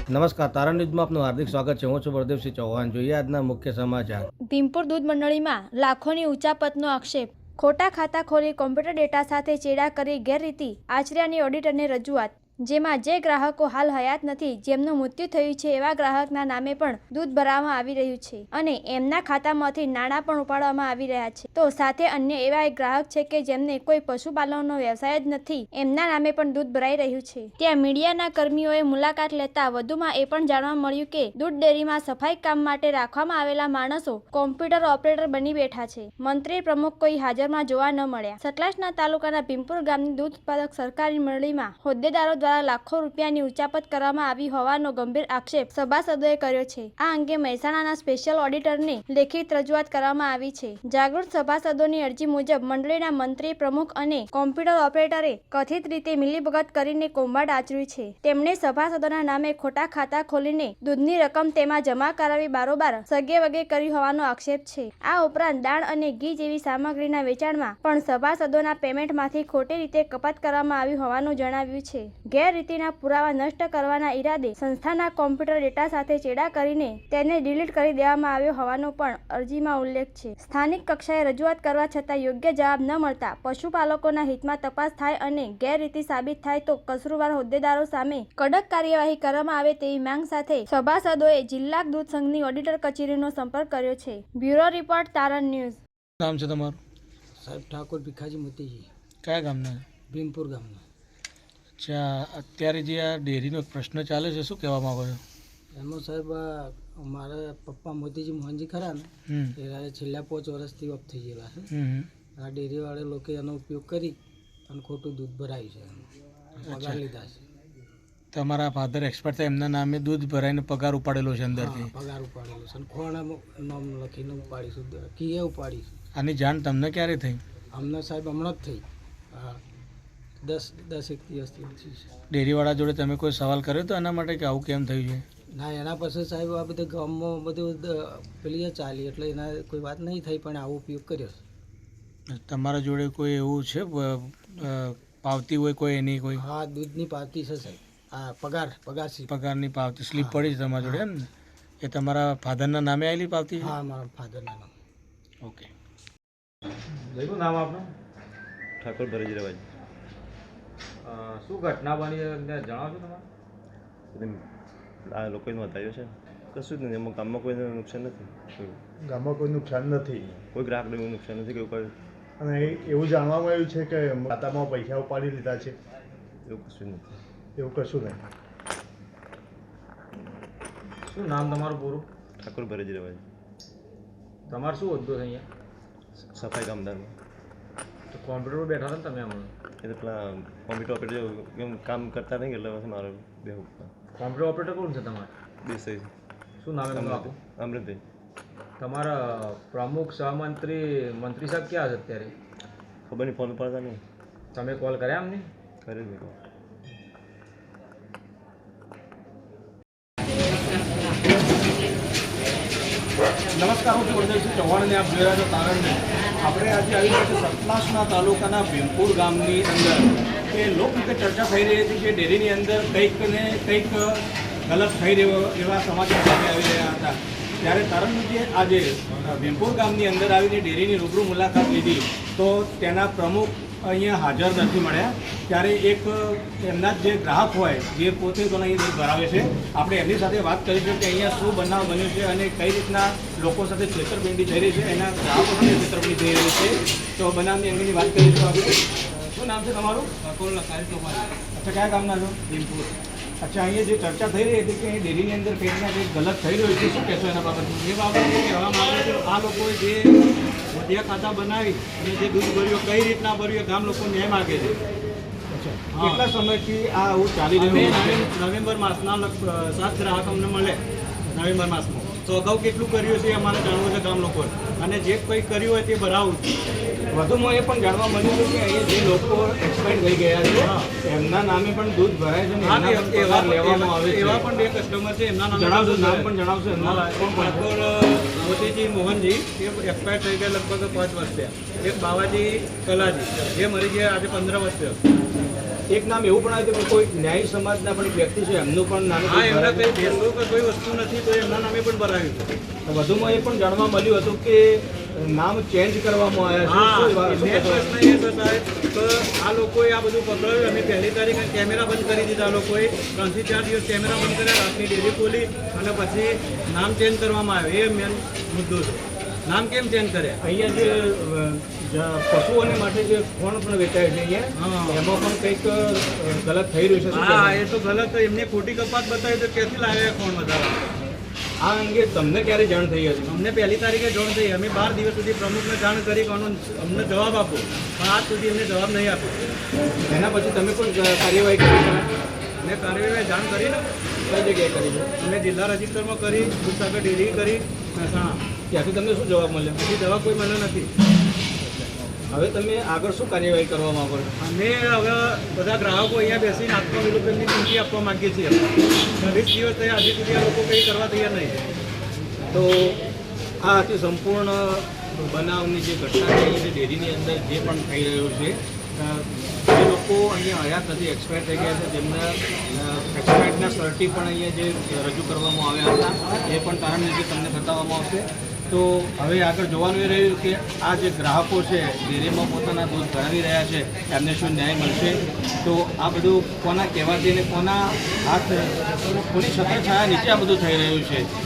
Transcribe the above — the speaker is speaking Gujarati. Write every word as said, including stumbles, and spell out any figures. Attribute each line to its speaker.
Speaker 1: નમસ્કાર, તારણ ન્યૂઝમાં આપનું હાર્દિક સ્વાગત છે. હું છું બળદેવસિંહ ચૌહાણ. જોઈએ આજના મુખ્ય સમાચાર.
Speaker 2: ભીમપુર દૂધ મંડળીમાં લાખોની ઉચાપતનો આક્ષેપ. ખોટા ખાતા ખોલી કોમ્પ્યુટર ડેટા સાથે ચેડા કરી ગેરરીતિ આચર્યાની ઓડિટરને રજૂઆત. જેમાં જે ગ્રાહકો હાલ હયાત નથી, જેમનું મૃત્યુ થયું છે, એવા ગ્રાહકના નામે પણ દૂધ ભરવામાં આવી રહ્યું છે અને એમના ખાતામાંથી નાણાં પણ ઉપાડવામાં આવી રહ્યા છે. તો સાથે અન્ય એવા એક ગ્રાહક છે કે જેમને કોઈ પશુપાલનનો વ્યવસાય જ નથી, એમના નામે પણ દૂધ ભરાઈ રહ્યું છે. ત્યાં મીડિયાના કર્મીઓએ મુલાકાત લેતા વધુમાં એ પણ જાણવા મળ્યું કે દૂધ ડેરીમાં સફાઈ કામ માટે રાખવામાં આવેલા માણસો કોમ્પ્યુટર ઓપરેટર બની બેઠા છે. મંત્રી પ્રમુખ કોઈ હાજરમાં જોવા ન મળ્યા. સતલાસના તાલુકાના ભીમપુર ગામની દૂધ ઉત્પાદક સરકારી મંડળીમાં હોદ્દેદારો દ્વારા લાખો રૂપિયાની ઉચાપત કરવામાં આવી હોવાનો ગંભીર આક્ષેપ સભાસદોએ કર્યો છે. આ અંગે મહેસાણાના સ્પેશિયલ ઓડિટરને લેખિત રજૂઆત કરવામાં આવી છે. જાગૃત સભાસદોની અરજી મુજબ મંડળીના મંત્રી પ્રમુખ અને કોમ્પ્યુટર ઓપરેટરે કથિત રીતે મિલીભગત કરીને કૌભાંડ આચર્યું છે. તેમણે સભાસદોના નામે ખોટા ખાતા ખોલીને દૂધની રકમ તેમાં જમા કરાવી બારોબાર સગે વગે કરી હોવાનો આક્ષેપ છે. આ ઉપરાંત દાળ અને ઘી જેવી સામગ્રીના વેચાણમાં પણ સભાસદોના પેમેન્ટમાંથી ખોટી રીતે કપાત કરવામાં આવી હોવાનું જણાવ્યું છે. ગેરરીતિના પુરાવા નષ્ટ કરવાના ઈરાદે સંસ્થાના કોમ્પ્યુટર ડેટા સાથે ચેડા કરીને તેને ડિલીટ કરી દેવામાં આવ્યો હોવાનો પણ અરજીમાં ઉલ્લેખ છે. સ્થાનિક કક્ષાએ રજૂઆત કરવા છતાં યોગ્ય જવાબ ન મળતા પશુપાલકોના હિતમાં તપાસ થાય અને ગેરરીતિ સાબિત થાય તો કસૂરવાર હોદ્દેદારો સામે કડક કાર્યવાહી કરવામાં આવે તેવી માંગ સાથે સભાસદોએ જિલ્લા દૂધ સંઘની ઓડિટર કચેરીનો સંપર્ક કર્યો છે. બ્યુરો રિપોર્ટ, તારણ ન્યૂઝ.
Speaker 3: નામ છે તમારું?
Speaker 4: સાહેબ ઠાકોર ભીખાજી મોતીજી.
Speaker 3: કયા ગામના?
Speaker 4: ભીમપુર ગામના.
Speaker 3: અચ્છા, અત્યારે જે આ ડેરીનો પ્રશ્ન ચાલે છે, શું કહેવા માંગો છો?
Speaker 4: એમાં સાહેબ મારા પપ્પા મોતીજી મોહનજી ખરા ને, એ છેલ્લા પાંચ વર્ષથી ઓફ થઈ ગયેલા છે. આ ડેરીવાળા લોકો એનો ઉપયોગ કરી અને ખોટું દૂધ ભરાયું છે, પગાર લીધા છે.
Speaker 3: તમારા ફાધર એક્સપર્ટ થાય, એમના નામે દૂધ ભરાઈને પગાર ઉપાડેલો છે અંદરથી?
Speaker 4: પગાર ઉપાડેલો છે અને ખોણા નામ લખીને ઉપાડીશું, કીએ ઉપાડીશું.
Speaker 3: આની જાણ તમને ક્યારે થઈ?
Speaker 4: અમને સાહેબ હમણાં જ થઈ. હા, દસ દસ એક દિવસથી ઓછી છે.
Speaker 3: ડેરીવાળા જોડે તમે કોઈ સવાલ કર્યો તો એના માટે કે આવું કેમ થયું છે?
Speaker 4: ના, એના પછી સાહેબ આ બધા ગામમાં બધું પેલી ચાલી એટલે એના કોઈ વાત નહીં થઈ, પણ આવો ઉપયોગ કર્યો છે.
Speaker 3: તમારા જોડે કોઈ એવું છે પાવતી હોય કોઈ એની કોઈ?
Speaker 4: હા, દૂધની પાવતી છે સાહેબ. હા, પગાર પગાર
Speaker 3: પગારની પાવતી સ્લીપ પડી છે તમારા જોડે એમ ને? એ તમારા ફાધરના નામે આવેલી પાવતી?
Speaker 4: હા, મારા ફાધરના નામ.
Speaker 3: ઓકે.
Speaker 1: શું નામ આપનું?
Speaker 5: ઠાકોર ભરતજીભાઈ.
Speaker 1: શું ઘટના બની જણાવશો તમારે?
Speaker 5: આ લોકોએ નોંધાયો છે, કશું જ નથી. એમાં ગામમાં કોઈને નુકસાન નથી.
Speaker 6: ગામમાં કોઈ નુકસાન નથી,
Speaker 5: કોઈ ગ્રાહકને એવું નુકસાન નથી કે કોઈ.
Speaker 6: અને એવું જાણવામાં આવ્યું છે કે ખાતામાં પૈસા ઉપાડી લીધા છે?
Speaker 5: એવું કશું નથી.
Speaker 6: એવું કશું નહીં.
Speaker 1: શું નામ તમારું પૂરું?
Speaker 5: ઠાકોર ભરતજીભાઈ.
Speaker 1: તમારે શું હોદ્દો છે અહીંયા?
Speaker 5: સફાઈ કામદારમાં.
Speaker 1: તો કોમ્પ્યુટર પર બેઠા હતા ને તમે હમણાં?
Speaker 5: એટલે પેલા કોમ્પ્યુટર ઓપરેટર એમ કામ કરતા નહીં એટલે પછી મારો બે
Speaker 1: કોમ્પ્યુટર ઓપરેટર કોણ છે તમારે?
Speaker 5: દેસાઈ.
Speaker 1: શું નામ એમનું આપું?
Speaker 5: અમૃતભાઈ.
Speaker 1: તમારા પ્રમુખ સહમંત્રી મંત્રી સાહેબ ક્યાં છે અત્યારે?
Speaker 5: ખબર નહીં, ફોન ઉપાડતા નહીં.
Speaker 1: તમે કોલ કર્યા એમને?
Speaker 5: કરે જ નહીં.
Speaker 3: નમસ્કાર, હું છું બળદેવસિંહ ચૌહાણ અને આપ જોઈ રહ્યા છો તારણ ન્યૂઝ. આપણે આજે આવી રહ્યા છીએ સતલાસના તાલુકાના ભીમપુર ગામની અંદર કે લોકરીતે ચર્ચા થઈ રહી હતી કે ડેરીની અંદર કંઈક ને કંઈક ગલત થઈ રહ્યો એવા સમાચાર સામે આવી રહ્યા હતા. ત્યારે તારણ ન્યૂઝે આજે ભીમપુર ગામની અંદર આવીને ડેરીની રૂબરૂ મુલાકાત લીધી તો તેના પ્રમુખ અહીંયા હાજર નથી મળ્યા. ત્યારે એક એમના જે ગ્રાહક હોય જે પોતે તો અહીં દૂધ ભરાવે છે, આપણે એમની સાથે વાત કરીશું કે અહીંયા શું બનાવ બન્યો છે અને કઈ રીતના લોકો સાથે છેતરપિંડી થઈ રહી છે, એના ગ્રાહકો સાથે છેતરપિંડી થઈ રહી છે. તો બનાવની અંગેની વાત કરીશું આપણે. શું નામ છે તમારું? અચ્છા, કયા ગામના છો? ભીમપુર. અચ્છા, અહીંયા જે ચર્ચા થઈ રહી હતી કે અહીં ડેરીની અંદર કંઈક ના કંઈક ગલત થઈ રહ્યું છે, શું કહેશો એના બાબતમાં?
Speaker 7: એ બાબતે કહેવામાં આવે છે આ લોકોએ જે મોતિયા ખાતા બનાવી અને જે દૂધ ભર્યું કઈ રીતના ભર્યું ગામ લોકો ન્યાય માગે છે.
Speaker 3: કેટલા સમયથી આ આવું ચાલી રહ્યું છે?
Speaker 7: નવેમ્બર માસના સાત ગ્રાહક અમને મળે નવેમ્બર માસમાં. તો અગાઉ કેટલું કર્યું છે એ અમારે જાણવું છે ગામ લોકોએ, અને જે કંઈ કર્યું હોય તે ભરાવું છે.
Speaker 3: વધુમાં એ પણ જાણવા મળ્યું છે કે અહીંયા જે લોકો એક્સપાયર થઈ ગયા છે એમના નામે પણ દૂધ ભરાય છે
Speaker 7: હા,
Speaker 3: અને એના
Speaker 7: એવા
Speaker 3: પગાર લેવામાં આવે છે.
Speaker 7: એવા પણ બે કસ્ટમર છે, એમના નામ
Speaker 3: જણાવશો? નામ પણ જણાવશો એમના?
Speaker 7: ઠાકોર મોતીજી મોહનજી, એ એક્સપાયર થઈ ગયા લગભગ પાંચ વર્ષ થયા. એક બાવાજી કલાજી, જે મરી ગયા આજે પંદર વર્ષ થયા.
Speaker 3: એક નામ એવું પણ આવ્યું કે કોઈ ન્યાય સમાજના પણ એક વ્યક્તિ છે એમનું પણ નામ
Speaker 7: હા, એમને કંઈ ભેસો કે કોઈ વસ્તુ નથી તો એમના નામે પણ ભરાયું છે.
Speaker 3: વધુમાં એ પણ જાણવા મળ્યું હતું કે નામ ચેન્જ કરવામાં આવ્યા
Speaker 7: હા,
Speaker 3: છે. શું વાત- શું
Speaker 7: મેન
Speaker 3: કહેશો?
Speaker 7: પ્રશ્ન એ છે સાહેબ કે આ લોકોએ આ બધું પકડાયું. અમે પહેલી તારીખે કેમેરા બંધ કરી દીધા. લોકોએ ત્રણથી ચાર દિવસ કેમેરા બંધ કર્યા, રાતની ડેરી ખોલી અને પછી નામ ચેન્જ કરવામાં આવ્યો. એ મેન મુદ્દો છે. નામ કેમ ચેન્જ કર્યા?
Speaker 3: અહીંયા જે અ, જ- પશુઓને માટે જે ખોણ પણ વેચાય છે અહીંયા
Speaker 7: હા.
Speaker 3: એમાં પણ કંઈક અ, ગલત થઈ રહ્યું છે. શું
Speaker 7: હા,
Speaker 3: કહેશો?
Speaker 7: એ તો ગલત. એમને ખોટી કપાત બતાવી તો ક્યાંથી લાવ્યા કોણ વધારે?
Speaker 3: આ અંગે તમને ક્યારે જાણ થઈ હતી?
Speaker 7: અમને પહેલી તારીખે જાણ થઈ. અમે બાર દિવસ સુધી પ્રમુખને જાણ કરી કે આનો અમને જવાબ આપો, પણ આજ સુધી એમને જવાબ નહીં આપ્યો.
Speaker 3: એના પછી તમે પણ કાર્યવાહી કરી છે?
Speaker 7: મેં કાર્યવાહી જાણ કરી ને,
Speaker 3: કઈ જગ્યાએ કરી છે?
Speaker 7: અમે જિલ્લા રજિસ્ટરમાં કરી, દૂધસાગર ડેરી કરી, મહેસાણા.
Speaker 3: ત્યાંથી તમને શું જવાબ મળ્યો?
Speaker 7: હજી જવાબ કોઈ મળ્યો નથી.
Speaker 3: હવે તમે આગળ શું કાર્યવાહી કરવા માંગો છો?
Speaker 7: અમે હવે બધા ગ્રાહકો અહીંયા બેસીને આત્મવિલોપનની ચીમકી આપવા માંગીએ છીએ. વીસ દિવસ થયા, હજી સુધી આ લોકો કંઈ કરવા તૈયાર નહીં.
Speaker 3: તો આ હતી સંપૂર્ણ બનાવની જે ઘટના છે એ જે ડેરીની અંદર જે પણ થઈ રહ્યું છે અ, જે લોકો અહીંયા હયાત નથી, એક્સપાયર થઈ ગયા છે, જેમના એક્સપાયર્ડના સર્ટી પણ અહીંયા જે રજૂ કરવામાં આવ્યા હતા એ પણ તારણ નીચે તમને બતાવવામાં આવશે. તો હવે આગળ જોવાનું એ રહ્યું કે આ જે ગ્રાહકો છે ડેરીમાં પોતાના દૂધ ભરાવી રહ્યા છે એમને શું ન્યાય મળશે. તો આ બધું કોના કહેવાથી અને કોના હાથ કોની છત્રછાયા નીચે આ બધું થઈ રહ્યું છે